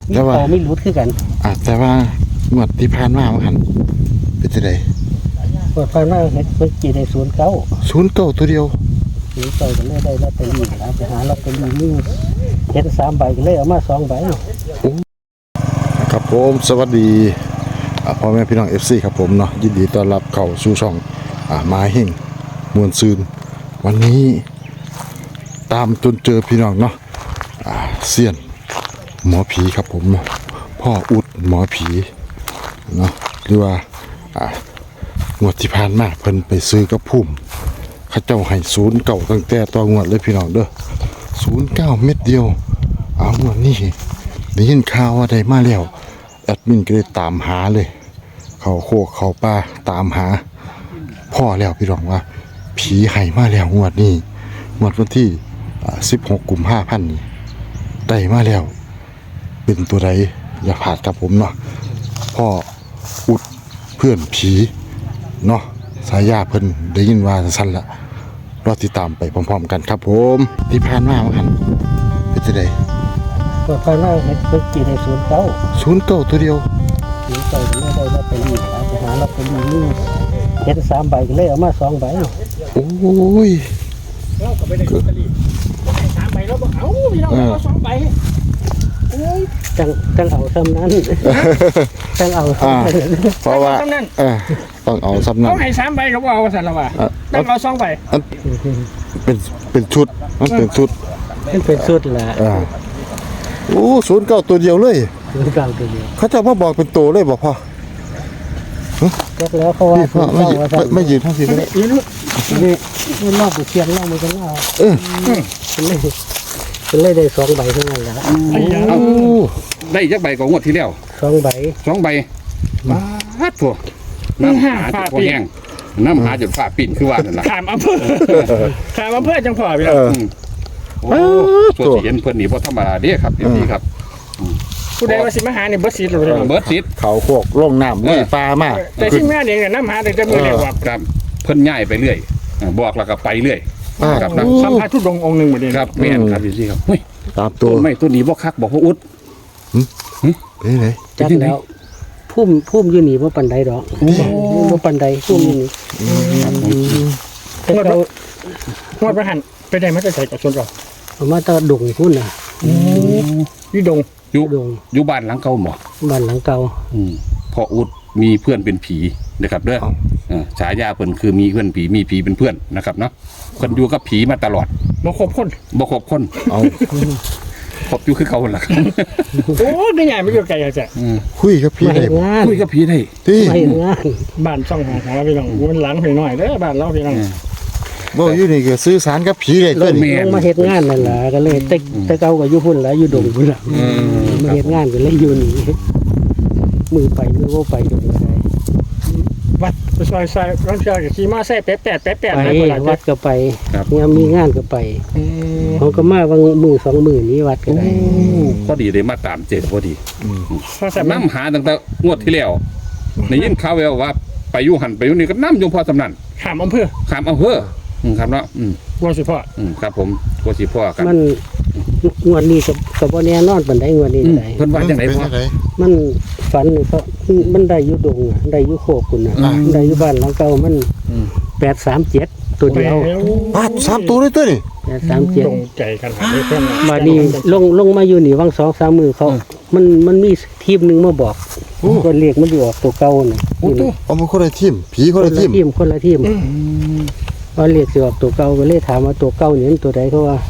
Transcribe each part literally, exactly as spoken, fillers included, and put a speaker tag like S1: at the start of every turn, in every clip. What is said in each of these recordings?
S1: แต่ว่า
S2: ไม่รู้คือกัน
S1: อ่ะแต่ว่างวดที่ผ่านมามันหันเป็นจังได๋
S2: งวดผ่านมาเฮ็ดเพิ่นกี่ได้ศูนย์เก้า
S1: ศูนย์เก้าตัวเดียว
S2: ศูนย์เก้าก็เลยได้ลอตเตอรี่นะไปหาลอตเตอรี่มีเฮ็ดสามใบก็เลยเอามาสองใบ
S1: ครับผมสวัสดีพ่อแม่พี่น้อง เอฟ ซี ครับผมเนาะยินดีต้อนรับเข้าสู่ช่องอ่ามาเฮงมวลซืนวันนี้ตามจนเจอพี่น้องเนาะอ่าเซียนหมอผีครับผมพ่ออุดหมอผีเนาะหรือว่าอ่างวดที่ผ่านมาเพิ่นไปซื้อกับพุ่มเขาเจ้าให้ศูนย์เก่าตั้งแต่ตัวงวดเลยพี่น้องเด้อศูนย์เก้าเม็ดเดียวเอางวดนี้ได้ยินข่าวว่าได้มาแล้วแอดมินก็เลยตามหาเลยเขาโคกเขาป้าตามหาพ่อแล้วพี่น้องว่าผีให้มาแล้วงวดนี้งวดวันที่สิบหกกุมภาพันธ์นี้ได้มาแล้วเป็นตัวใดอย่าพลาดกับผมเนาะพ่ออุดเพื่อนผีเนาะสายาเพิ่นได้ยินว่าสั้นละรอติดตามไปพร้อมๆกันครับผมที่ผ่านมาเหมือนกันเป็นจังได๋
S2: งวดผ่านมาเฮ็ดเพิ่นกี่ได้ศูนย์เก้า
S1: ศูนย์เก้าตัวเดียว
S2: ศูนย์เก้าก็เลยได้ลอตเตอรี่นะไปหาลอตเตอรี่มีเฮ็ดสามใบก็เลยเอามาสองใบ
S1: โอ้ย
S2: เราก็ไปได้ลอตเตอรี่สามใบแล้วบ่เอาพี่น้องเอาสองใบโอ้ยจังจังเอาซ้ำนั้นจังเอาซ้ำนั้น
S1: เพราะว่าเออต้องเอาซ้ำนั้น
S3: เขาให้สามใบเขาบอกว่าสันละว่าต้องเอาสองใบ
S1: เป็นเป็นชุดมันเป็นชุด
S2: มันเป็นชุดแหละ
S1: อ่าโอ้ศูนย์เก้าตัวเดียวเลย
S2: ศูนย์เก้าตัวเดียว
S1: เขาจะมาบอกเป็นตัวเลยบอกพ่อ
S2: แล้วเขาว่า
S1: ไม่ยืนไม่ยืนทั้งทีเลย
S2: นี่นี่นี่นอกไปเชียงนอกมันก็นอก
S1: เออ
S2: เป็นเลยเป็นเลยได้สองใบเท่านั้นแหละ
S3: ได้ยักใบของงวดที่แล้ว
S2: สองใบ
S3: สองใบมาฮัดพวกน้ำหาจุดพอแห้งน้ำหาจุดฝ้าปิ่นคือว่านั่นแหละ
S2: ถามอำเภอถามอำเภอจังพอพี่น้อง
S3: โอ้ตัวเสียนเพื่อนนี่เพราะธรรมดาเด้ครับดีครับ
S2: ผู้ใดว่าสิมาหาเนี่ยเบิร์ดซีดเลย
S3: เบิร์ดซีด
S1: เขาโคกลงน้ำลุยปลามาก
S2: แต่ที่แม่เองเนี่ยน้ำหาแต่จะมือเรียกว่า
S3: ครับเพิ่นง่ายไปเรื่อยบอกแล้วก็ไปเรื่อย
S2: ครับนะสัมภาษณ์ทุดงองค์หนึ่งเหมือนเดิม
S3: ครับแม่นครับพี่ครับเฮ้ย
S1: ตามตัว
S3: ไม่ตัวนี้บ่คักบอกว่าอุด
S1: เป็นไง
S2: จัดแล้วพุ่มพุ่มอยู่นี่ว่าปันไดดอกว่าปันไดพุ่มอยู่นี่
S3: งวดงวดประหันไปได้มาจะใส่กับส่วนเรา
S2: ผมว่าตะดงพุ่นน่ะ
S3: อยู่ดงอยู่อยู่บ้านหลังเก่าหมอ
S2: บ้านหลังเก่า
S3: พออุดมีเพื่อนเป็นผีนะครับเด้อฉายาเพิ่นคือมีเพื่อนผีมีผีเป็นเพื่อนนะครับเนาะคนอยู่กับผีมาตลอด
S2: บ่ครบคน
S3: บ่ครบคน
S1: เอา
S3: ครบอยู่คือเขาหลัก
S2: โอ้ได้ใหญ่ไม่เกี่ยวกับอะไรจ้ะ
S1: คุยกับผีได้
S3: คุยกับผีได้
S1: ที่
S2: บ้านช่องของเราพี่น้องมันหลังพี่น้อยเด้อบ้านเราพี่น้อง
S1: บ่อยู่นี่ก็สื่อสารกับผีได้
S2: ตัวนี้มาเฮ็ดงานนั่นล่ะก็เลยแต่แต่เก่าก็อยู่พุ่นแล้วอยู่ดงพุ่นล่ะมาเฮ็ดงานก็เลยอยู่นี่มือไปมือบ่ไปดงอะไรวัดซอยซอยร้านชาก็ขี่มาใส่แป๊ะแป๊ะแป๊ะแป๊ะไปวัดก็ไปงานมีงานก็ไปเขาก็มาวันมือสองมือนี้วัดก็ได้
S3: พอดีได้มาตามเจ็ดพอดีน้ำหาตั้งแต่งวดที่แล้วในยินข่าวแววว่าไปอยู่หันไปอยู่นี่ก็น้ำยงพอสำนัน
S2: ขามอำเภอ
S3: ขามอำเภอครับเนาะ
S2: กัวสิพ่อ
S3: ครับผมกัวสิพ่อกัน
S2: มันงวดนี้กับกับวันนี้นอนปันได้งวดนี้ได้
S3: เพิ่นว่าจังได๋พ่อ
S2: มันฝันเขามันได้อยู่ดงได้อยู่โคกคุณน่ะได้อยู่บ้านหลังเก่ามันแปดสามเจ็ดตัวเดียว
S1: ปาดสามตัวเลยตัวนี่
S2: แปดสามเจ็ด
S3: ตรงใจกันหาได้เพิ่น
S2: มานี่ลงลงมาอยู่นี่วังสองสามมือเขามันมันมีทีมนึงมาบอกก็เรียกมันอยู่ออกตัวเก่าน่ะ
S1: โอ้ตัวเอามันคนละทีมผีคนละทีม
S2: ทีมคนละทีมว่าเรียกสิออกตัวเก่าก็เลยถามว่าตัวเก่านี่ตัวใดเขาว่า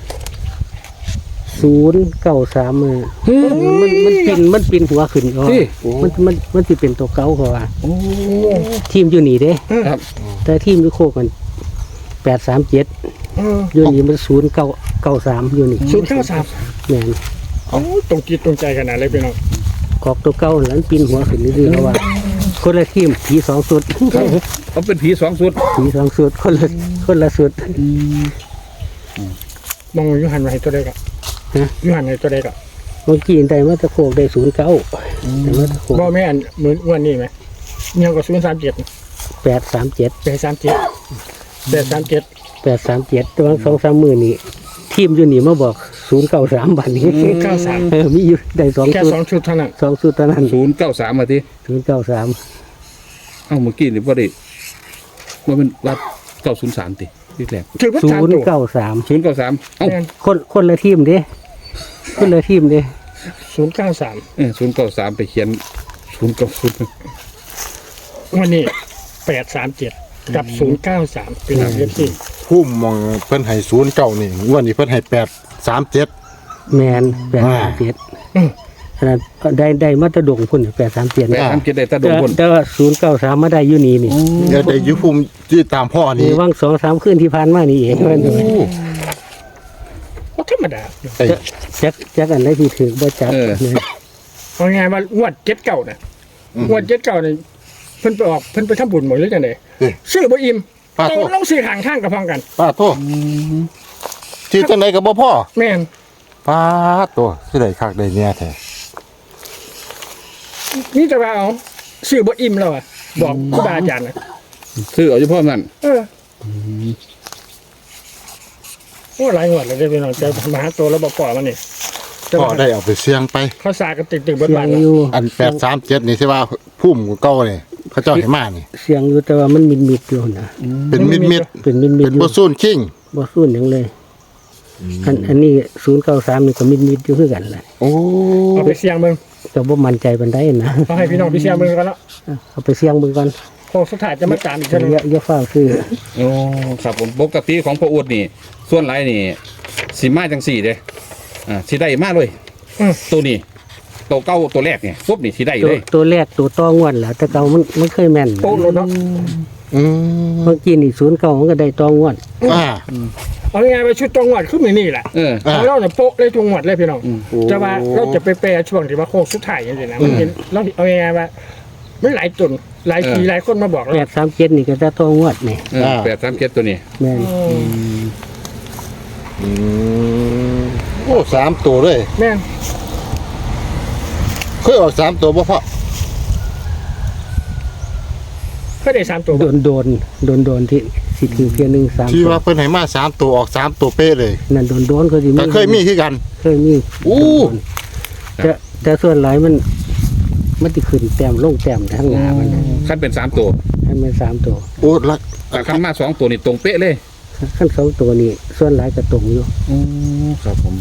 S2: ศูนย์เก้าสามมือมันมันปินมันปินหัวขึ้นอ๋อมันมันมันจะเป็นตัวเก่าเขาว่าทีมอยู่นี่เด้แต่ทีมอยู่โคกันแปดสามเจ็ดอยู่นี่มันศูนย์เก้าเก้าสามอยู่นี่
S3: ศูนย์เก้าสาม
S2: แม่น
S3: โอ้ตรงจิตตรงใจขนาดเลยพี่น้อง
S2: กอกตัวเก่าหลังปินหัวขึ้นนี่คือเขาว่าคนละทีมผีสองสุด
S3: เขาเป็นผีสองสุด
S2: ผีสองสุดคนละคนละสุด
S3: มองยูหันมาให้ตัวใดก็ยูหันให้ตัวใดก็
S2: เมื่อกี้ได้มาตะโขกได้ศูนย์เก้าแต่มาตะโขก
S3: บ่แม่นเหมือนวันนี้ไหมยังก็ศูนย์สามเจ็ด
S2: แปดสามเจ็ด
S3: แปดสามเจ็ดแปดสามเจ็ด
S2: แปดสามเจ็ดตัวสองสามหมื่นนี่ททีมอยู่นี่มาบอกศูนย์เก้าสามบัดนี้
S4: ศูนย์เก้าสาม
S2: เออมีอยู่ได้สอง
S4: แค่
S2: ชุด
S4: สองชุดเท่านั้น
S2: สองชุดเท่านั้น
S3: ศูนย์เก้าสามมาที
S2: ศูนย์เก้าสาม
S3: เอ้าเมื่อกี้นี่ว่าได้ว่าเป็นว่าเก้าศูนย์สามติที่แรก
S4: ถือว่า
S2: ศู
S4: สาม
S2: นย์
S4: ตัว
S2: เก้าสาม
S3: ศูนย์เก้าสามเอ้า
S4: แม่น
S2: คนคนละทีมเด้คนละทีมเด้
S4: ศูนย์เก้าสาม
S3: เออศูนย์เก้าสามไปเขียนศูนย์เก้าศูนย์
S4: วันนี้แปดสามเจ็ดกับศูนย์เก้าสามเป็นเอฟซี
S1: พุ่มมองเพิ่นให้ศูนย์เก้านี่งวดนี้เพิ่นให้แปดสามเจ็ด
S2: แมนแปดสามเจ็ดขนาดได้ได้มาตรดงพุ่นแปดสามเจ็ด
S3: แปดสามเจ็ดได้ตาด
S2: แต่
S3: งบน
S2: แต่ว่าศูนย์เก้าสามมาได้อยู่นี่นี่
S1: เดี๋ยวได้อยุพุ่มที่ตามพ่อ
S2: นี่
S1: นี่
S2: ว่างสองสามคืนที่ผ่านมานี่เองมัน
S4: ก็ธรรมดา
S1: ไอ้
S2: จักจักอันได้ที่ถือบ่จับเนี่ย
S4: เอาไงว่างวดเจ็ดเก่าน่ะงวดเจ็ดเก่าเนี่ยเพิ่นไปออกเพิ่นไปทำบุญหมดเลยจังได๋ซื้อบ่อิ่ม
S1: ป้า
S4: ต้อ
S1: โท
S4: ง
S1: ษ
S4: ต้องซื้อห่างข้างกับพร้อมกัน
S1: ป้าโทษที่จังไดก็บ่พ่อ
S4: แม่น
S1: ป้าตัวสิได้คักได้เนี่ยแท้
S4: นี่จะว่าเอาซื้อบ่อิ่มแล้วอ่ะบอกครูบาอาจารย์นะ
S3: ซื้อเอาเฉพาะนั้น
S4: เออโอ้หลายงวดแล้วเด้อพี่น้องจะมาหาตัวแล้วบ่ปล่อยมันนี่แต่
S1: พ่อ
S4: ว่า
S1: ได้เอาไปเสี่ยงไป
S4: เขาสากันตึกๆเบิด
S2: เสีย
S4: บ้าง น
S2: อยู่
S1: อันแปดสามเจ็ดนี่ใช่ว่าพุ่มเก่านี่พระเจ้าให้มานี่
S2: เสียงอยู่แต่ว่ามันมิดมิดๆอยู่นะ
S1: เป็นมิดมิด
S2: เป็นมิด
S1: ๆ
S2: มิ
S1: เป็
S2: ด
S1: น
S2: อยู่
S1: บ่ซูนคิง
S2: บ่สู้หยังเลยอันอันนี้ศูนย์เก้าสามนี่ก็มิดมิดอยู่คือกันแหละ
S1: โอ้
S4: เอาไปเสี่ยงเบิ่ง
S2: แต่บ่มั่นใจปานใดนะ
S4: เอาให้พี่น้องไปเสี่ยงเบิ่งกันแล้ว
S2: เอาไปเสี่ยงเบิ่งก่อน
S4: โค้งสุดท้ายจะมาตามอีก
S2: อย่า
S4: เท่านึง
S2: อย่าอย่าฟ้าวซื้อ
S3: โอ้ครับผมปกติของพ่ออูดนี่ ส่วนไรนี่สีมาจังสี่เด้อ่าสีได้มาเลยตัวนี้ตัวเก้าตัวแรกเนี่ยปุ๊บนี่สีได้
S2: ตัว
S3: เลย
S2: ตัวแรกตัวต้องวดแหละแต่เก่ามันมันเคยแม่นนะ
S4: โป๊ะรถเนาะ
S1: อืม
S2: เมื่อกี้นี่ศูนย์เก่ามันก็ได้ต้องวด
S1: อ่า
S4: เอาง่ายๆว่าชุดตรงหวัดขึ้นมานี่แหละ
S3: เออ
S1: อ่า
S4: ของเราเนี่ยโป๊ะเลยตรงหวัดเลยพี่น้อง
S3: อืม
S4: จะว่าเราจะไปแปรช่วงที่ว่าโค้งสุดท้ายอย่างนี้นะมันเป็นเราเอาง่ายๆว่าไม่หลายตุนหลายทีหลายคนมาบอก
S2: แป
S4: เรา
S2: ดสามเจ็ดนี่ก็จะต้องวดนี่
S3: เออแปดสามเจ็ดตัวนี้
S2: แม่น
S1: อืมโอ้สามตัวเลย
S4: แม่น
S1: เคยออกสามตัวบ่พ่อ
S4: เพื่อได้สามตัว
S2: โดนโดนโดนโดนที่สิถือเพียงหนึ่งสาม
S1: ที่ว่าเพิ่นให้มาสามตัวออกสามตัวเป๊ะเลย
S2: นั่นโดนโดนก็สิ
S1: แต่เคยมีคือกัน
S2: เคยมี
S1: อู้
S2: แต่แต่ส่วนหลายมัน มันติขึ้นแต้มลงแต้มทั้งหน้ามันนะ
S3: ขั้นเป็นสามตัว
S2: ให้มันสามตัว
S1: โอ้ลัก
S3: แต่ขั้นมาสองตัวนี่ตรงเป๊ะเลย
S2: ขั้นสองตัวนี่ส่วนหลายก็ตรงอยู่
S3: โอ้ครับผม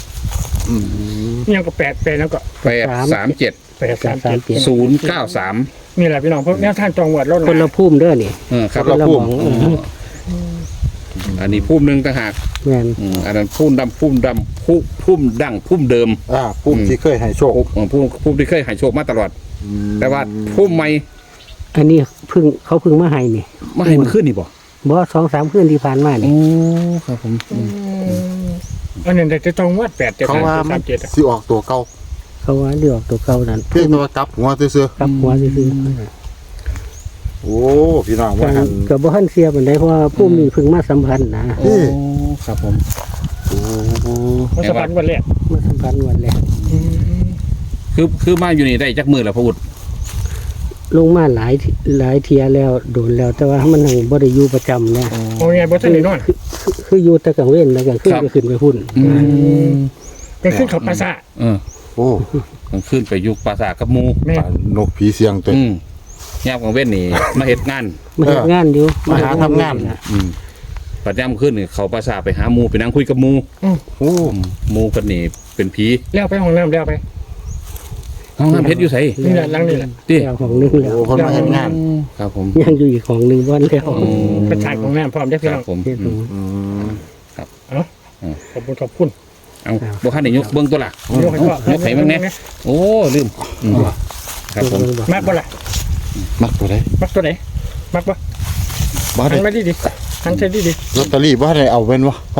S4: ยังก็แปดแปดแล้วก็
S3: แปดสามเจ็ด
S4: แปดสามเจ็ด
S3: ศูนย์เก้าสาม
S4: นี่แหละพี่น้องเพราะแนวทางตรงหวัดเรา
S2: คนละพุ่มเด้อนี่
S3: เออครับ
S2: คนละหมองเออ
S3: อันนี้พุ่มหนึ่งต่างหาก
S2: แม่น
S3: อืมอันนั้นพุ่มดำพุ่มดำพุ่มพุ่มดังพุ่มเดิม
S1: อ่าพุ่มที่เคยให้โชค
S3: พุ่มพุ่มพุ่มที่เคยใหายโชคมาตลอด แต่ว่าพุ่มใหม่
S2: อันนี้เพึ่งเขาเพึ่งมาให้นี่
S3: มาให้มันขึ้นนี่บ่
S2: บ่สองสามคืนที่ผ่านมานี่
S3: โอ้ครับผม
S4: อันนั้นแต่ตรงหวัดแปดเจ็ด
S1: เขาว่ามั
S4: สาน มเจ็ดอะ
S1: สิออกตัวเก่า
S2: เขาว่าเดือกตัวเก่านั่น
S1: เพียงแต่ว่ากลับหัวซื่อก
S2: ลับหัวซื่อ
S1: ๆโอ้พี่น้อง
S2: ๆ
S1: ว่าหัน
S2: ก็บ่ทันเสียปานใดเพราะว่าผู้มีเพึ่งมาสัมพันธ์นะ
S3: โอ้ครับผม
S1: โอ้
S4: มันสะพานวันแรก
S2: มาสัมพันธ์วันแรก
S3: คือคือมาอยู่นี่ได้จักมือแล้วพระอุด
S2: ลงมาหลายหลายเทียแล้วโดนแล้ว แต่ว่ามันยังบ่ได้อยู่ประจำนะ
S4: เอาไงบ่ทันได้นอน
S2: คือคือคืออยู่แต่กลางเว้นแล้วก็ขึ้นก็ขึ้นไปพุ่น
S4: เป็นขึ้นเขาปราสาท
S3: เออ
S1: โอ้
S3: กลางคืนไปอยุคปราสาทกับหมู
S4: แม่
S1: ป่านกผีเสียงตัว
S3: อืมยามกลางเว้นนี่ มาเฮ็ดงาน
S2: มาเฮ็ดงานอยู่
S1: มาหาทำงาน
S3: อืมปัดยามขึ้นนี่เขาปราสาทไปหาหมูไปนั่งคุยกับหมู
S1: โอ้
S3: หมูคนนี้เป็นผี
S4: แล้วไปห้องน้ำแล้วไป
S3: ห้องน้ำเพชรอยู่ไส
S4: นี่แหละหลังนี่แหละ
S3: ดิ
S2: แล้วของหนึงแล้ว
S1: โหคนมาเฮ็ดงาน
S3: ครับผม
S2: ยังอยู่อีกของหนึงวันแล้ว
S3: อืม
S4: เป็นถ่ายของน้ำพร้อมได้อ
S3: ค
S4: พี่
S3: รั
S4: น้
S3: บ
S4: อง
S3: ผม
S2: เฮ็ด
S3: อื
S2: ของ
S3: ม
S1: อืม
S4: ขอบคุณขอบคุณ
S3: เอาบ่คันได้ยกเบิ่งตัวล่ะ
S4: ยกให้พ่อย
S3: กให้เบิ่งแหน่โอ้ลืมอืมครับผม
S4: มากบ่ล่ะ
S1: มักตัวใด
S4: มักตัวไหนมักบ่
S1: บ่
S4: หั
S1: ได้
S4: นมาดีดิหันใส่ดีดิ
S1: ลอตเตอรี่บ่ได้เอาเว้นวะพ่อง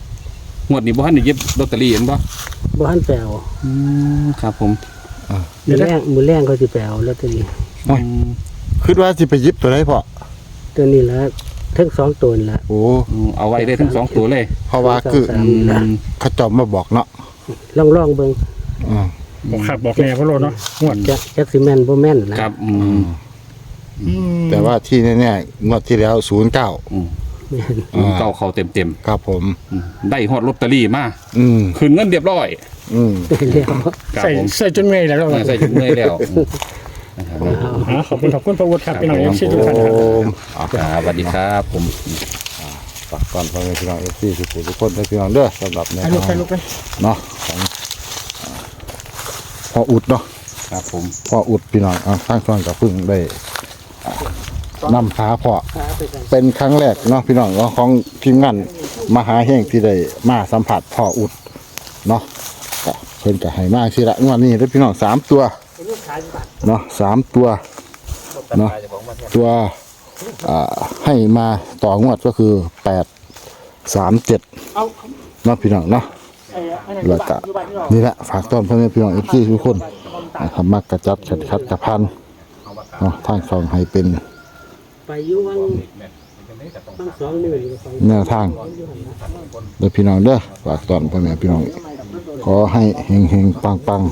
S3: วดนี้บ่ทันได้หยิบลอตเตอรี่เห็นบ่
S2: บ่ทันแปลว
S3: อืมครับผม
S2: มื้อแรงมื้อแรงเขาสิแปลวลอตเตอรี่
S3: อืม
S1: คิดว่าสิไปหยิบตัวใดพ่อ
S2: ตัวนี้ละทั้งสองตัวนี่ละ
S1: โอ้
S3: อืมเอาไว้ได้ทั้งสองตัวเลย
S1: เพราะว่าคือ
S2: สามนี่ละ
S1: เขาเจอมมาบอกเนาะ
S2: ลองลองเบิ่ง
S1: อืม
S4: บอกขับบอกแน่พ่อโลเนาะงวด
S2: จักจักสิแม่นบ่แม่นนะครับ
S3: อืม
S1: แต่ว่าที่แน่ๆงวดที่แล้วศูนย์เก้า
S3: อืมศูนย์เก้าเขาเต็มเต็ม
S1: ครับผม
S3: ๆได้ฮอดลอตเตอรี่มา
S1: อืม
S3: คืนเงินเรียบร้อย
S1: อืม
S2: เรียก
S3: ครับ
S4: ใส่
S3: ผม
S4: ใส่จนเมื่อยแล้วเรา
S3: ใส่จุดเมื่อยแล้วนะครับ
S4: อ่าขอบคุณขอบคุณพระวุฒิครับพี่น้องเอฟซี
S1: โอ
S4: ทุกท่านครับ
S1: มอ่ะ
S3: ครับสวัสดีครับผม
S1: ฝากก่อนพ่อแม่พี่น้องเอฟซีทุกคนทุกคนได้พี่น้องเด้อสำหรับแนว
S4: ไปลูก
S1: ทา
S4: ไป
S1: ง
S4: ลูกไป
S1: เนาะของอ่าพ่ออุดเนาะ
S3: ครับผม
S1: พ่ออุดพี่น้องอ่ะทางช่องกับพึ่งได้อ่านำหาพ่อ เป็นครั้งแรกเนาะพี่น้องเนาะของทีมงานมหาแห่งที่ได้มาสัมผัสพ่ออุดเนาะก็เพิ่นก็ให้มาสิละงวดนี้เด้อพี่น้องสามตัวเนาะสามตัวเนาะตัวอ่าให้มาต่องวดก็คือแปดสามเจ็ด
S4: เอา
S1: เนาะพี่น้องเนาะ
S4: ไอ้อันนั้น
S1: แล้วก็นี่แหละฝากต้อนพ่อแม่พี่น้องเอฟซีทุกคนนะครับมักกระจัดขัดขัดกระพันเนาะทางช่องให้เป็น
S2: ไปอยู่วังทั้งสองมืออยู่สอง
S1: แนวทางเด้อพี่น้องเด้อฝากต้อนพ่อแม่พี่น้องขอให้เฮงเฮงปังปัง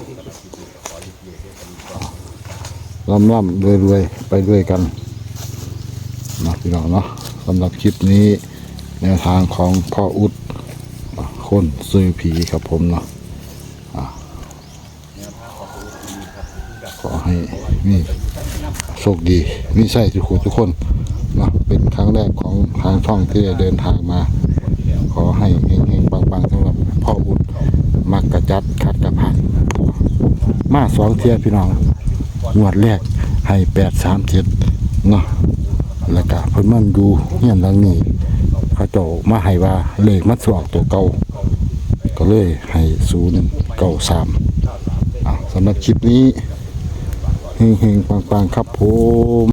S1: ร่ำร่ำรวยรวยไปด้วยกันเนาะพี่น้องเนาะสำหรับคลิปนี้แนวทางของพ่ออุดคนซื้อผีครับผมเนาะอ่ะขอให้มีโชคดีมีใช่ทุกคนทุกคนเนาะเป็นครั้งแรกของทางช่องที่ได้เดินทางมา ขอให้เฮงๆปังๆสำหรับพ่ออุดมักกระจัดขัดกระพันมาสองเทียพี่น้องงวดแรกให้แปดสามเจ็ดเนาะแล้วก็เพิ่นมันดูเฮียนหลังนี้เขาเจ้ามาให้ว่าเลขมันสวกตัวเก่าก็เลยให้ศูนย์เก้าสามสำหรับคลิปนี้เฮงๆปังๆครับผม